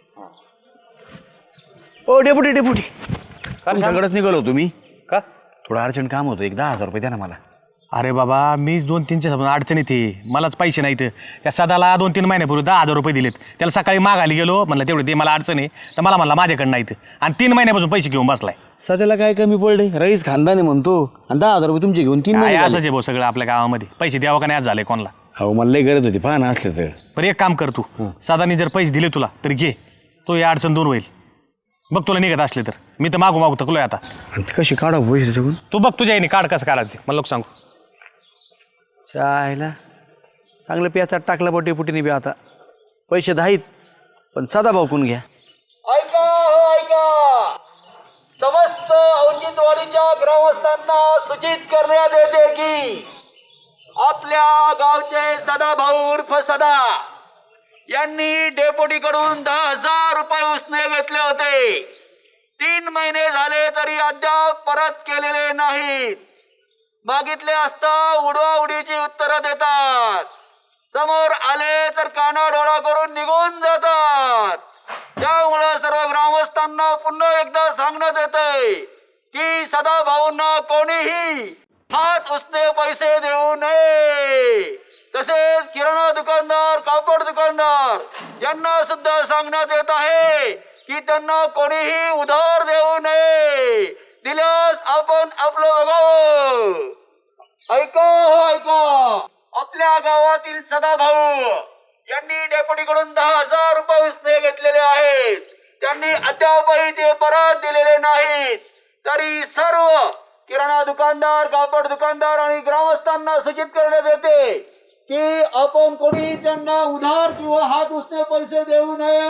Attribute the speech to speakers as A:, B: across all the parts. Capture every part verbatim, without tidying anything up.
A: ओ deputy deputy तुमच्याकडेच निघालो तुम्ही
B: का
A: थोडं अर्जंट काम होतं एक दहा हजार रुपये द्या ना मला.
C: अरे बाबा मीच दोन तीनच्या समोर अडचणीत आहे, मलाच पैसे नाहीत. त्या सदाला दोन तीन महिन्यापूर्वी दहा हजार रुपये दिलेत. त्याला सकाळी मागायला गेलो, म्हणलं तेवढे ते मला अडचण आहे, तर मला म्हणला माझ्याकडे नाहीत. आणि तीन महिन्यापासून पैसे घेऊन बसलाय.
A: सध्याला काय कमी पडले, रईस खानदानी म्हणतो आणि दहा हजार रुपये तुमचे घेऊन तीन
C: काय
A: महिने
C: असंच
A: झाले.
C: आहे भाऊ सगळं आपल्या गावामध्ये. पैसे द्यावं का नाही आज झालंय कोणाला.
A: हो मला लई गरज होती, पहा ना असले तर.
C: पण एक काम कर तू, सदानी जर पैसे दिले तुला तर घे, तो या अडचण दूर होईल. बघ तुला निघत असले तर. मी तर मागू मागू थकलोय आता.
A: आणि ते कशी काढा पैसे त्याच्याकडून.
C: तू बघ तुझ्या याने काढ कसं काढा ते मला लोक सांगू.
A: चायला चांगलं प्याचात टाकलं बा डेपुटीने बी. आता पैसे दहाईत पण सदा भाऊकून घ्या.
D: ऐका हो ऐका, समस्त औचित्यवाडीच्या ग्रामस्थांना सूचित करण्यात येते की आपल्या गावचे सदाभाऊ उर्फ सदा यांनी डेपुटीकडून दहा हजार रुपये उसने घेतले होते. तीन महिने झाले तरी अद्याप परत केलेले नाहीत. मागितले असता उडवाउडीची उत्तरं देतात, समोर आले तर कानाडोळा करून निघून जातात. त्यामुळे सर्व ग्रामस्थांना पुन्हा एकदा सांगण्यात येतंय की सदाभाऊंना कोणीही हात उसने पैसे देऊ नये. तसेच किराणा दुकानदार, कापड दुकानदार यांना सुद्धा सांगण्यात येत आहे की त्यांना कोणीही उधार देऊ नये. दिल्यास आपण आपलं बघावं. ऐका हो ऐका, आपल्या गावातील सदाभाऊ यांनी डेपुटीकडून दहा हजार रुपये उसने घेतलेले आहेत. त्यांनी अद्यापही ते परत दिलेले नाहीत. तरी सर्व किराणा दुकानदार, कापड दुकानदार आणि ग्रामस्थांना सूचित करण्यात येते की आपण कोणी त्यांना उधार किंवा हात उसने पैसे देऊ नये.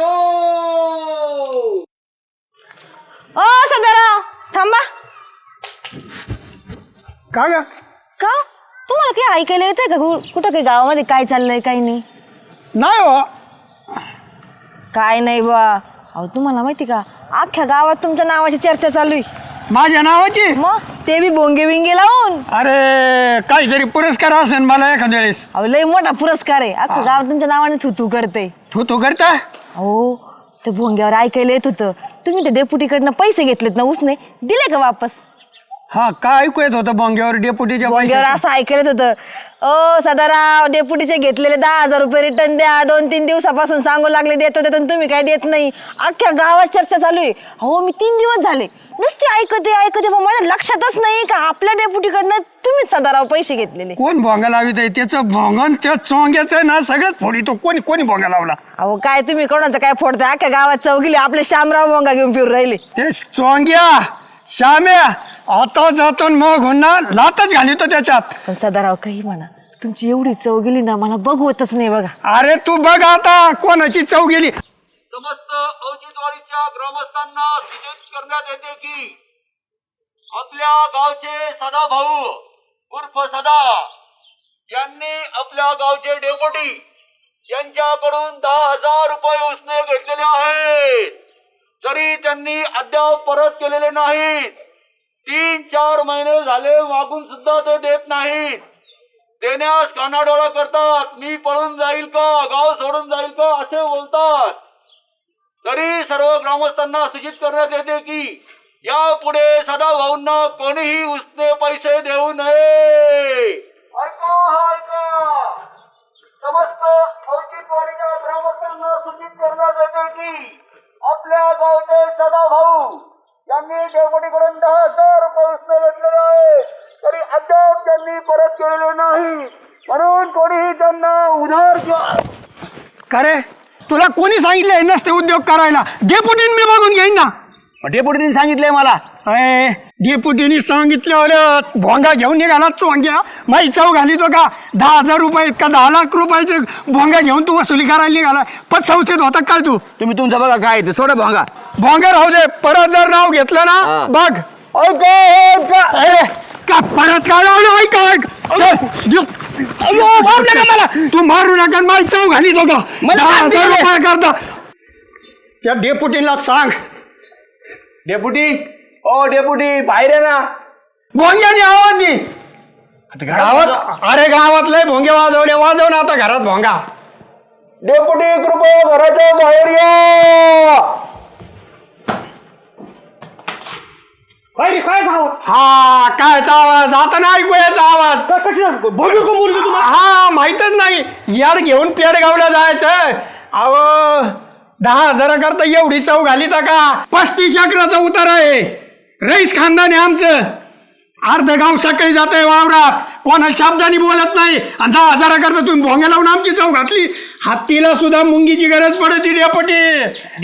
E: ओ सदाराव थांबा.
F: का ग
E: का तुम्हाला काही ऐकायला येतंय का कु- कुठं काही गावामध्ये काय चाललंय काही नाही?
F: नाही हो.
E: काय नाही बा. अहो तुम्हाला माहिती का अख्ख्या गावात तुमच्या नावाची चर्चा चालू आहे.
F: माझ्या नावाची?
E: मग ते बी भोंगे बिंगे लावून.
F: अरे काहीतरी पुरस्कार असेल मला एखाद्या वेळेस.
E: अहो लय मोठा पुरस्कार आहे. अख्खं गाव तुमच्या नावाने थुतू करते.
F: तू तू करता?
E: अहो ते भोंग्यावर ऐकायला येत होतं तुम्ही ते डेपुटीकडनं पैसे घेतलेत ना उसने, दिले का वापस?
F: हा काय ऐकू येत होतं बोंग्यावर डेपुटीच्या
E: भोंग्यावर
F: पैशाचं?
E: असं ऐकायला येत होतं, ओ सदाराव डेपुटीचे घेतलेले दहा हजार रुपये रिटर्न द्या. दोन तीन दिवसापासून सांगू लागले देत होते तर तुम्ही काय देत नाही. अख्ख्या गावात चर्चा चालू आहे. हो मी तीन दिवस झाले नुसते ऐकते ऐकते पण माझ्या लक्षातच नाही का आपल्या डेपुटीकडनं तुम्हीच सदाराव पैसे घेतलेले.
F: कोण भोंगा लावित आहे? त्याचं भोंगन त्या चोंग्याचं आहे ना सगळ्यात फोडी. तो कोणी कोणी भोंगा लावला?
E: अहो काय तुम्ही कोणाचं काय फोडताय? अख्ख्या गावात चौकीले आपले शामराव भोंगा घेऊन फिरून राहिले.
F: ते चोंग्या श्याम्या आता जातो मग होणार लातच घालितो त्याच्यात.
E: पण सदाराव काही म्हणा तुमची एवढी चव गेली ना मला बघवतच नाही बघा.
F: अरे तू बघ आता कोणाची चव गेली.
D: समस्त औचित्यवाडीच्या ग्रामस्थांना सूचित करण्यात येते की आपल्या गावचे सदाभाऊ उर्फ सदा यांनी आपल्या गावचे डेपुटी यांच्याकडून दहा हजार रुपये उसने घेतलेले आहेत. तरी त्यांनी अद्याप परत केलेले नाहीत. तीन चार महिने झाले मागून सुद्धा ते देत नाहीत. देण्यास कानाडोळा करतात. मी पळून जाईल का, गाव सोडून जाईल का असे बोलतात. तरी सर्व ग्रामस्थांना सूचित करण्यात येते की यापुढे सदाभाऊंना कोणीही उसने पैसे देऊ नये. ऐका ऐका, समस्त औचित्यवाडीच्या ग्रामस्थांना सूचित करण्यात येते की आपल्या गावचे सदाभाऊ यांनी डेपुटीकडून दहा हजार रुपये उसने घेतलेले आहे. तरी अद्याप त्यांनी परत केलेले नाही. म्हणून कोणीही त्यांना उधार किंवा
F: का रे तुला कोणी सांगितलंय नसते उद्योग करायला? डेपुटीने मी बघून घेईन ना.
A: डेपुटीने सांगितलंय मला.
F: अय डेपुटीने सांगितलं भोंगा घेऊन निघाला चोंग्या. माई चव घालितो का? दहा हजार रुपये इतका दहा लाख रुपयाचे भोंगा घेऊन तू वसुली करायला निघाला. पण संस्थेत होता काय तू?
A: तुम्ही तुमचं बघा काय ते सोडा भोंगा.
F: भोंगा राहू दे. परत जर नाव घेतलं ना
A: हा.
F: बघ. अरे का परत काय लावलं? ऐक ऐक चल. अयो मारलं का मला? तू मारू नका. माई चव घालितो का? दहा हजार रुपये करता. त्या डेपुटीला सांग.
A: डेपुटी ओ डेपुटी बाहेर आहे ना.
F: भोंग्याने आवाज दे गावात. अरे गावात लय भोंगे वाजवले. वाजव ना आता घरात भोंगा.
D: डेपुटी कृपया घराच्या बाहेर या.
F: हा कायचा आवाज आता नाही ऐकू याचा आवाज हा माहितच नाही यार घेऊन पेडगावला जायचं अव दहा हजाराकरता एवढी चव घाली का पस्तीस अकराचा उतार आहे रईस खानदान आहे आमचं अर्ध गाव सकाळी जात आहे वावरात कोणाला शब्दानी बोलत नाही आणि दहा हजाराकरता तुम्ही भोंग्या लावून आमची चव घातली हत्तीला सुद्धा मुंगीची गरज पडते डेपटी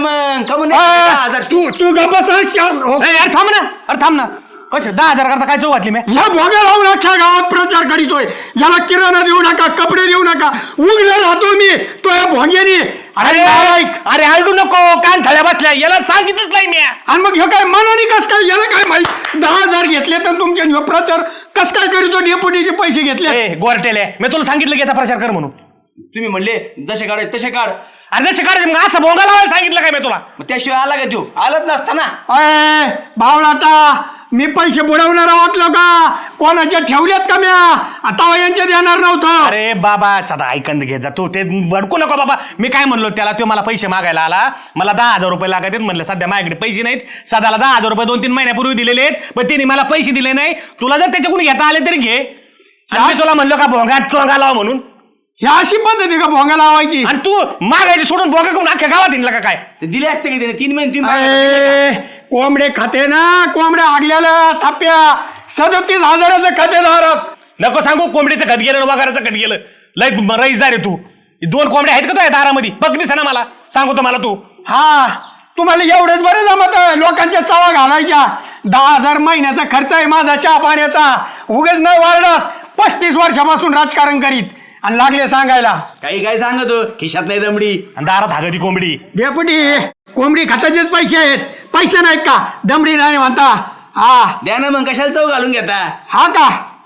F: तू तू गप्पा
C: अरे थांब ना अरे थांब ना कसं दहा हजार करता काय चौ घातली मी
F: या भोग्या लावून अख्ख्या गावात प्रचार करीतोय याला किराणा देऊ नका कपडे देऊ नका उघडे राहतो मी तो या भोग्यानी
C: अरे अरे हलडू नको कान थळ्या बसल्या याला सांगितलंच नाही मी
F: आणि मग हे काय मनाने कस काय याला काय माहित दहा हजार घेतले तर तुमच्या ह्यो प्रचार कस काय करीतो डेपुटीचे पैसे घेतले
C: ए गोरटेले मी तुला सांगितलं की याचा प्रचार कर म्हणून
A: तुम्ही म्हणले जसे काढ तसे काढ.
C: अरे जसे काढायचे मग असं भोंगा लावायला सांगितलं काय मी तुला
A: मग त्याशिवाय आला का तू आलत नसता ना.
F: अय भावलाटा मी पैसे बुडवणारा वाटलो का कोणाच्या ठेवल्यात का म्या आता यांच्या देणार नव्हतं.
C: अरे बाबा सदा ऐकंद घे जा तू ते भडकू नको बाबा मी काय म्हणलो त्याला तो मला पैसे मागायला आला मला दहा हजार रुपये लागत आहेत म्हणलं सध्या माझ्याकडे पैसे नाहीत सदाला दहा हजार रुपये दोन तीन महिन्यापूर्वी दिलेले आहेत पण तिने मला पैसे दिले नाही तुला जर त्याच्याकडून घेता आले तरी घे आणि मी तुला म्हणलो का भोंगा चोंगा लाव म्हणून
F: ह्या अशी पद्धती का भोंगा लावायची
C: आणि तू मागायची सोडून भोंगा करून अख्ख्या गावात हिंडला का काय
A: ते दिले असते की त्याने तीन महिने तुम्ही
F: अय, कोंबडे खाते ना कोंबड्या आगल्याला थाप्या सदतीस हजाराचं खातेदार
C: नको सांगू कोंबडीचं खत गेलं वगाराचं खत गेलं लय रईसदार आहे तू दोन कोंबड्या आहेत का तुझ्या दारामध्ये बघ दिसा ना मला सांगतो मला तू
F: हा तुम्हाला एवढंच बरं जमत लोकांच्या चवा घालायच्या दहा हजार महिन्याचा खर्च आहे माझा चहा पाण्याचा उगच न वाढत पस्तीस वर्षापासून राजकारण करीत आणि लागले सांगायला
A: काही काय सांगतो खिशात नाही दमडी
C: आणि दारात हागती कोंबडी
F: डेपुटी कोंबडी खात्याचेच पैसे आहेत पैसे नाहीत का दमडी नाही म्हणता हा
A: द्या ना मग कशाला चव घालून घेता.
F: हा का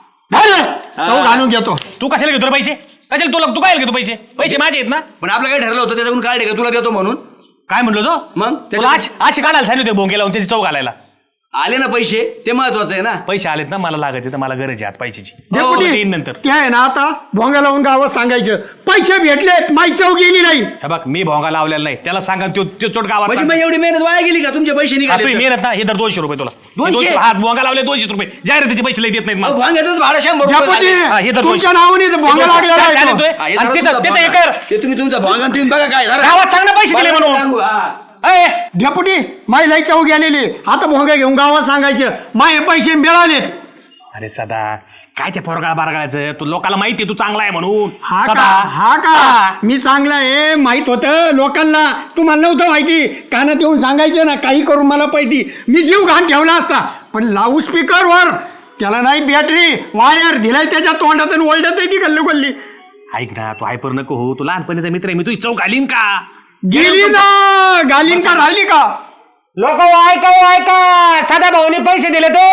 F: धर तो घालून घेतो
C: तू कशाला घेतो रे पैसे कशाला तुला तू काय घेतो पैसे पैसे माझे आहेत ना
A: पण आपलं काय ठरलं होतं त्याच्याकडून काढले का तुला देतो म्हणून.
C: काय म्हणलो तो
A: मग
C: तुला आज आज काढायला सांगितलं होते भोंगे लावून त्याची चौ घालायला
A: आले ना पैसे ते महत्वाचं आहे ना.
C: पैसे आलेत ना मला लागत तर मला गरज आहे आज पैशाची
F: डेपुटी
C: येईन नंतर
F: ते आहे ना आता भोंगा लावून गावात सांगायचं पैसे भेटलेत माई चव गेली नाही
C: हे बघ मी भोंगा लावलेला नाही त्याला सांगा तो तो चोट गावात
A: म्हणजे
C: सांगा.
A: मग एवढी मेहनत वाया गेली का तुमचे पैसे
C: हा,
A: निघाले
C: तुम्ही
A: तर?
C: मेहनत ना हे तर दोनशे रुपये तुला
A: दोनशे?
C: दोनशे हा भोंगा लावले दोनशे रुपये जाहिरातीचे पैसे लई देत नाहीत
A: अहो,
C: मला
A: भांग्याचंच भाडं शंभर रुपये
F: डेपुटी
A: झाले.
C: हा, हे तर
F: तुमच्या
C: दोनशे.
F: नावाने इथं भोंगा लागलेला
C: काय
F: आहे तो.
C: झालं
A: हा, हे
C: आणि
A: जरा
C: तिथं
A: तुमचा
C: तिथं
A: भांगा.
C: हे कर
A: ते तुम्ही तुमचा भांगा तुम्ही बघा काय जरा.
C: गावात सांग ना पैसे दिले म्हणून
A: सांगू, हा.
C: ए,
F: डेपुटी माई लई चव गेलेली आता भोंगा घेऊन गावात सांगायचं माय पैसे मिळालेत
C: अरे सदा काय ते पोरगाळ बारगाळायचं तू लोकांना माहिती तू चांगला आहे म्हणून
F: हा का
C: सदा.
F: हा का मी चांगला आहे माहित होतं लोकांना तुम्हाला नव्हतं माहिती कानात येऊन सांगायचं ना काही करून मला पाहिजे मी जीव घाण ठेवला असता पण लाऊड स्पीकरवर त्याला नाही बॅटरी वायर दिलाय त्याच्या तोंडात आणि ओल्डत आहे ती गल्ली गल्ली
C: ऐक ना तू हायपर नको हो तू लहानपणीचा मित्र आहे मी तुझी चौक घालीन का
F: गेली ना गालीन का राहिली का
C: लोक ऐका ऐका साध्या भाऊनी पैसे दिले तो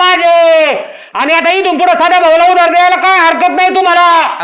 C: माझे आणि आता इथून पुढे साध्या भाऊला उधार द्यायला काय हरकत नाही तुम्हाला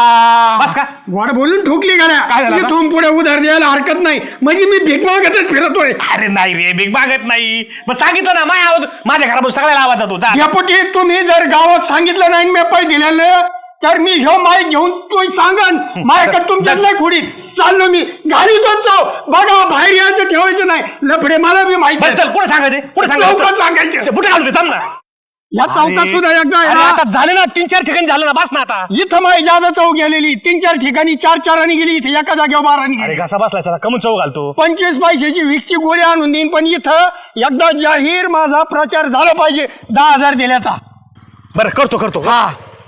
C: बस का
F: गोड बोलून ठोकली गाड्या
C: काय झालं आता?
F: इथून पुढे उधार द्यायला हरकत नाही म्हणजे मी भीक मागतच फिरतोय
C: अरे नाही रे बिग मागत नाही मग सांगितलं ना माझ्या आवाज माझ्या घरापासून सगळ्याला आवाज जातो जा.
F: यापोटी तुम्ही जर गावात सांगितलं नाही मी पैसे दिलेलं तर मी ह्यो माय घेऊन तो सांगन माझ्याकडे तुमच्यात लय खोडीत चाललो मी घाली तो चाव बघा बाहेर यायचं ठेवायचं नाही लफडे मला बी माहिती
C: बरं चल कुठे सांगायचे कुठे
F: चौकात
C: सांगायचं
F: सांगायचं
C: कुठे घालतो थांब ना
F: या चौकात सुद्धा एकदा आहे
C: अरे
F: ना,
C: आता झाले ना तीन चार ठिकाणी झालं ना बस ना आता
F: इथं माई जादा चौक गेलेली तीन चार ठिकाणी चार चारांनी गेली इथे एका जागेवर बारानी
C: अरे
F: गेली
C: कसा बसलाय सदा कमून चौ घालतो
F: पंचवीस पैशाची विकची गोळी आणून देईन पण इथं एकदा जाहीर माझा प्रचार झाला पाहिजे दहा हजार दिल्याचा
C: बरं करतो करतो
F: हा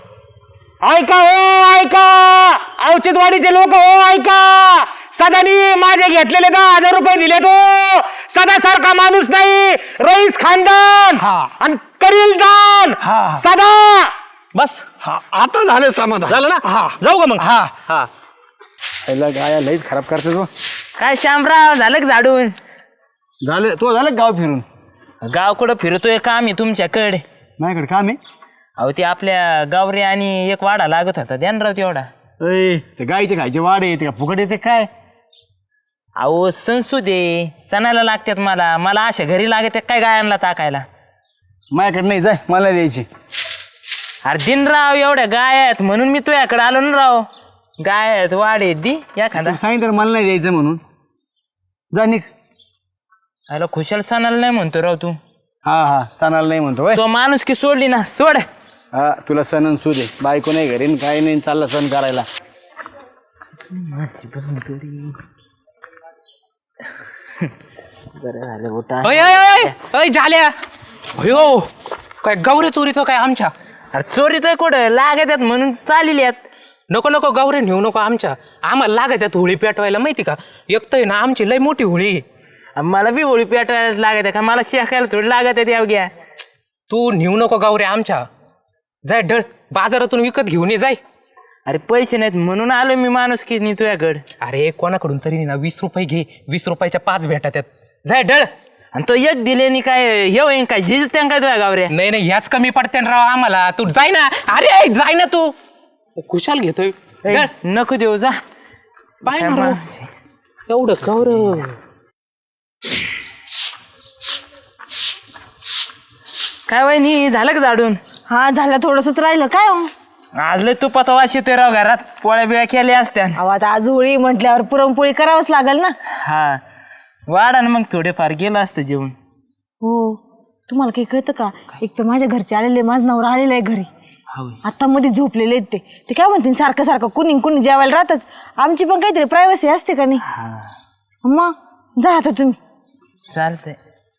C: ऐका हो ऐका औचित्यवाडीचे लोक हो ऐका सदानी माझे घेतलेले दहा हजार रुपये दिले तो सदा सारखा माणूस नाही रईस खानदान
F: हा.
C: आणि करील दान
F: हा.
C: सदा बस
F: हा आता झालं समाधान
C: झालं ना
F: हा
C: जाऊ का मग
F: हा
C: हा
A: पहिला गाया लईच खराब करते तो.
B: काय श्यामराव झालं का झाडून
A: झालं तो झालं गाव फिरून
B: गाव कुठं फिरतोय काम आहे तुमच्याकडे
A: माझ्याकडे काम आहे.
B: अहो ते आपल्या गावरे आणि एक वाडा लागत होता ध्यान राव तेवढा
A: अय ते गाईचे खायचे वाडे येते का फुकट येते काय.
B: अहो संसुदे सणाला लागतात मला मला अशा घरी लागत काय गायांना टाकायला
A: माझ्याकडे नाही जाय मला द्यायची.
B: अरे दिनराव एवढ्या गाय आहेत म्हणून मी तुझ्याकडे आलो ना राव गाय आहेत वाढ आहेत दी एखादा
A: तू सांगितलं मला नाही द्यायचं म्हणून जा निघ.
B: अरे खुशाल सणाला नाही म्हणतो राव तू
A: हा हा सणाला नाही म्हणतो होय.
B: तो माणूस की सोडली ना सोड
A: हा तुला सण आणि सूद आहे. बायको नाही घरी न काही नाही चालला सण करायला.
G: अय अय अय अय झाल्या अयो काय गौरे चोरीतो काय आमच्या
B: अरे चोरी तर कुठं लागत आहेत म्हणून चालली आहेत
G: नको नको गौरे नेऊ नको आमच्या आम्हाला लागत आहेत होळी पेटवायला माहिती का एक तर आहे ना आमची लय मोठी होळी आहे.
B: मला बी होळी पेटवायला लागत आहे का मला शेकायला थोडी लागत आहेत यावग्या
G: तू नेऊ नको गौरे आमच्या जाय ढळ बाजारातून विकत घेऊन ये जाय.
B: अरे पैसे नाहीत म्हणून आलो मी माणूस की नाही तुझ्याकडं
G: अरे कोणाकडून तरी ना वीस रुपये घे वीस रुपयाच्या पाच भेटा त्यात जाय ढळ.
B: आणि तो एक दिले नि काय हे होईन काय झिज त्या काय तुझ्या गावऱ्या
G: नाही नाही ह्याच कमी पडते ना राव आम्हाला तू जाय ना अरे जाय ना तू खुशाल घेतोय
B: ए,
G: ढळ.
B: नको देऊ जा
G: पाय ना राव. एवढं गौरव
B: काय वहिनी झालं का झाडून
E: हा झालं थोडंसंच राहिलं काय हो?
B: आज लय तुपाचा वास येतोय राव घरात पोळ्या बिळ्या केल्या असत्या
E: अहो आता आज होळी म्हटल्यावर पुरणपोळी करावंच लागेल ना.
B: हा वाढा ना मग थोडेफार गेलं असतं जेवण
E: हो तुम्हाला काही कळतं का एक तर माझ्या घरचे आलेले माझं नवरा आलेलं आहे घरी आता मध्ये झोपलेले आहेत ते ते काय म्हणतील सारखं सारखं कुणी कुणी जेवायला राहतच आमची पण काहीतरी प्रायव्हसी असते का नाही मग जा आता तुम्ही
B: चालतंय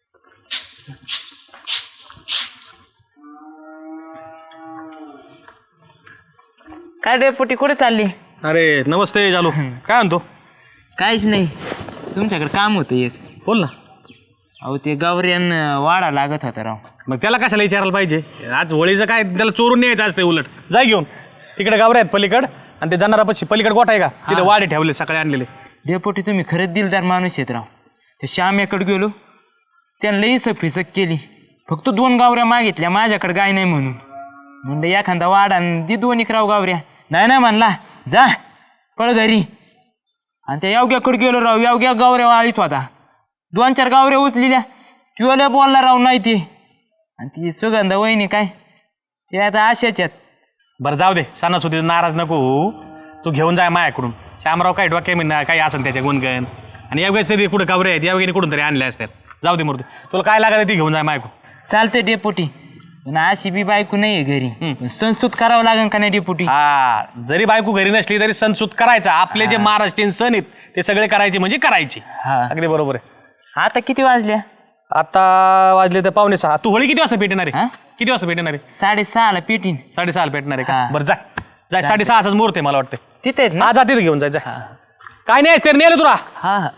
B: काय डेपुटी कुठे चालली
C: अरे नमस्ते जालू काय म्हणतो
B: काहीच नाही तुमच्याकडे काम होतं एक
C: बोल ना.
B: अहो ते गावऱ्यान वाडा लागत होता राव
C: मग त्याला कशाला विचारायला पाहिजे आज होळीचं काय त्याला चोरून न्यायचं असते उलट जाय घेऊन तिकडे गावरे आहेत पलीकड आणि ते जाणारापाशी पलीकड गोठा आहे का तिथे वाडे ठेवले सकाळी आणलेले.
B: डेपुटी तुम्ही खरंच दिलदार माणूस आहेत राव ते श्याम्याकडे गेलो त्यांना इसक फिसक केली फक्त दोन गावऱ्या मागितल्या माझ्याकडे गाय नाही म्हणून म्हणलं एखादा वाडा दि दोन एक राव गावऱ्या नाही नाही म्हणला जा पळ घरी आणि त्या यावग्याकडे गेलो राव यावग्या गावऱ्या वाळीत होता दोन चार गावऱ्या उचलेल्या तुला बोलला राव नाही ते आणि ती सुगंधा वहिनी काय ते आता अशाच आहेत.
C: बरं जाऊ दे सणासुदीचं नाराज नको होऊ. तू घेऊन जाय माझ्याकडून श्यामराव काय डोक्या म्हणणार काही असेल त्याच्या गुणगण आणि यावेळेस तरी कुठं गावरे आहेत यावेळी कुठून तरी आणले असतात. जाऊ दे मूर्ती तुला काय लागत ती घेऊन जाय माझ्याकडून.
B: चालतंय डेपुटी पण अशी बी बायको नाही आहे घरी संस्कृत करावं लागेल का नाही डेपुटी
C: हा जरी बायको घरी नसली तरी सण सूत करायचा आपले जे महाराष्ट्रीयन सण आहेत ते सगळे करायचे म्हणजे करायचे.
B: हा
C: अगदी बरोबर आहे.
B: आता किती वाजल्या
C: आता वाजले तर पावणे सहा. तू होळी किती वाजता पेटणार आहे
B: हा?
C: किती वाजता पेटणार आहे
B: साडेसहाला पेटीन
C: साडेसहाला पेटणार आहे का
B: हा.
C: बरं जाय जाय साडेसहाचाच मुहूर्त आहे मला वाटतं.
B: तिथे आहेत ना
C: हा जा तिथे घेऊन जाय जाय. काय नाही तर नेलं तुला
B: हा हा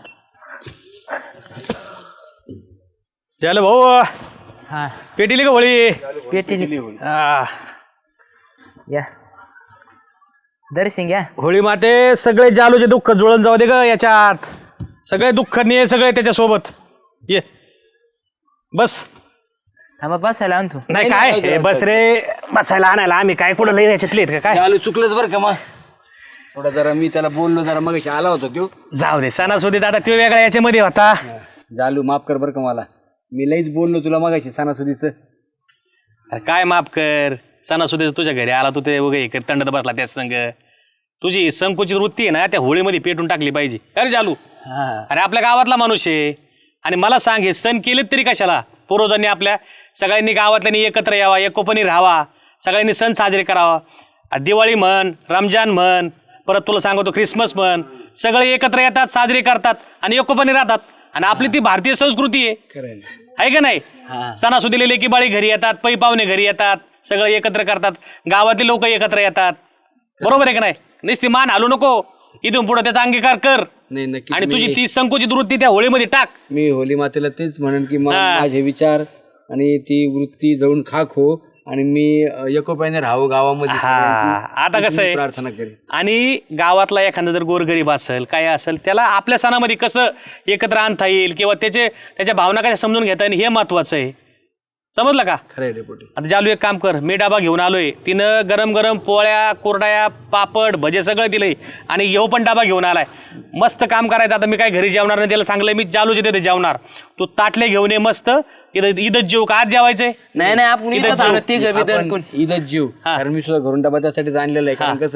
C: झालं भाऊ
B: हा
C: पेटीली का होळी
B: पेटीली
C: हा.
B: या दर्शन घ्या
C: होळी माते सगळे जालूचे दुःख जुळून जाऊ दे ग याच्यात सगळे दुःख ने सगळे त्याच्यासोबत ये बस.
B: थांबा बसायला आणतो
C: नाही काय हे बस रे बसायला आणायला आम्ही काय कुठं लई याच्यातले आहेत का काय
A: आलो चुकलंच बरं का मग थोडा जरा मी त्याला बोललो जरा मग आला होता तो
C: जाऊ दे सणासुदीत आता तो वेगळा याच्यामध्ये होता.
A: जालू माफ कर बरं का मला मी लईच बोललो तुला मगाशी सणासुदीचं.
C: अरे काय माफ कर सणासुदीचं तुझ्या घरी आला तू ते वगैरे कर तंडत बसला त्याच संग तुझी संकुचित वृत्ती आहे ना त्या होळीमध्ये पेटून टाकली पाहिजे. अरे जालू अरे आपल्या गावातला माणूस आहे आणि मला सांग हे सण केलेत तरी कशाला. पूर्वजांनी आपल्या सगळ्यांनी गावातल्यांनी एकत्र यावा एकोपणी राहावा सगळ्यांनी सण साजरे करावा. दिवाळी म्हण रमजान म्हण परत तुला सांगतो ख्रिसमस म्हण सगळे एकत्र येतात साजरे करतात आणि एकोपणी राहतात आणि आपली ती भारतीय संस्कृती आहे आहे का नाही. सणासुदीला लेकी बाळी घरी येतात पै पाहुणे घरी येतात सगळे एकत्र करतात गावातले लोक एकत्र येतात बरोबर आहे का नाही. नुसती मान हलू नको इथून पुढे त्याचा अंगीकार कर
A: नाही नक्की
C: आणि तुझी ती संकुचित वृत्ती त्या होळीमध्ये टाक.
A: मी होली मातेला तेच म्हणेन की मा-
C: हा.
A: माझे विचार आणि ती वृत्ती जळून खाक हो आणि मी अ, एकोप्याने राहावं गावामध्ये
C: हा,
A: सगळ्यांची.
C: आता कसं आहे
A: प्रार्थना करेन.
C: आणि गावातला एखादा जर गोरगरीब असेल काय असेल त्याला आपल्या सणामध्ये कसं एकत्र आणता येईल किंवा त्याचे त्याच्या भावना कशा समजून घेता येईल हे महत्वाचं आहे. समजलं का.
A: खरंय डेपुटी.
C: आता जालू एक काम कर मी डबा घेऊन आलोय तिनं गरम गरम पोळ्या कुरड्या पापड भजे सगळं दिलंय आणि येऊ पण डबा घेऊन आलाय मस्त काम करायचं. आता मी काय घरी जेवणार नाही त्याला सांगलंय मी जालूचे तिथे जेवणार तू ताटले घेऊन ये मस्त इथं इथंच जेव का आज जेवायचंय
B: नाही नाही आपण
C: इथं
B: इथंच
C: जेव.
B: आणू तिघं बी
A: आपण
B: दणकून.
A: ईदच जीव
C: हा.
A: कारण मी सुद्धा घरून डबा त्यासाठीच आणलेला आहे कारण कसं आहे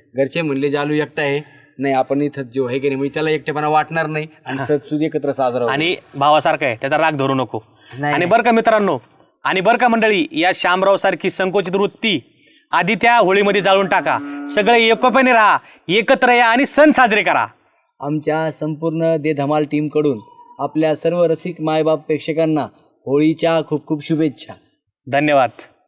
A: घरचे म्हणले जालू एकटा आहे, नाही आपण इथं जो आहे की नाही म्हणजे त्याला एकटेपणा वाटणार नाही आणि सण एकत्र साजरा होईल.
C: आणि भावासारखं आहे, त्याचा राग धरू नको.
B: नाही,
C: आणि बरं का मित्रांनो, आणि बरं का मंडळी, या श्यामराव सारखी संकोचित वृत्ती आधी त्या होळीमध्ये जाळून टाका. सगळे एकोप्याने राहा, एकत्र या आणि सण साजरे करा.
A: आमच्या संपूर्ण दे धमाल टीमकडून आपल्या सर्व रसिक मायबाप प्रेक्षकांना होळीच्या खूप खूप शुभेच्छा.
C: धन्यवाद.